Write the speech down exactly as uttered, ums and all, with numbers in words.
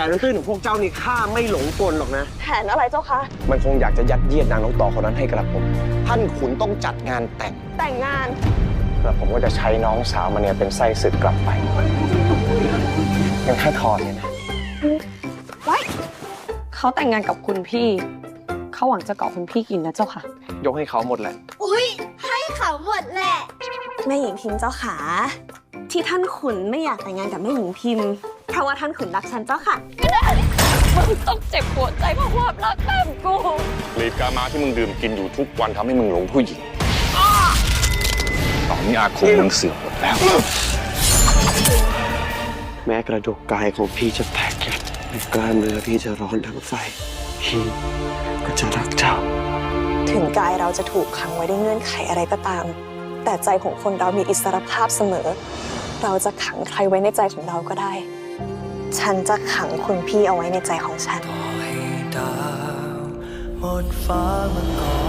นตื้นของพวกเจ้านี่ข้าไม่หลงกลหรอกนะแผนอะไรเจ้าคะมันคงอยากจะยัดเยียดนางนกต่อคนนั้นให้กระผม ท่านขุนต้องจัดงานแต่งแต่งงานกระผมก็จะใช้น้องสาวมาเนี่ยเป็นไส้ศึกกลับไปยังแค่ทอนเนี่ยนะไว้เขาแต่งงานกับคุณพี่ เขาหวังจะเกาะคุณพี่กินนะเจ้าค่ะยกให้เขาหมดแหละอุ๊ย ให้เขาหมดแหละแม่หญิงพิมพ์เจ้าขาที่ท่านขุนไม่อยากแต่งงานกับแม่หญิงพิมพ์เพราะว่าท่านขุนรักฉันเจ้าค่ะมึงต้องเจ็บปวดใจเพราะความรักแบบกูลีกามาที่มึงดื่มกินอยู่ทุกวันทำให้มึงหลงผู้หญิงตอนนี้อาคมมึงเสื่อมหมดแล้วแม้กระดูกกายของพี่จะแตกแยกแต่กล้ามเนื้อพี่จะร้อนทั้งไฟพี่ก็จะรักเจ้าถึงกายเราจะถูกขังไว้ด้วยเงื่อนไขอะไรก็ตาม แต่ใจของคนเรามีอิสรภาพเสมอ เราจะขังใครไว้ในใจของเราก็ได้ ฉันจะขังคุณพี่เอาไว้ในใจของฉันต่อให้ดาวหมดฟ้ามาก่อน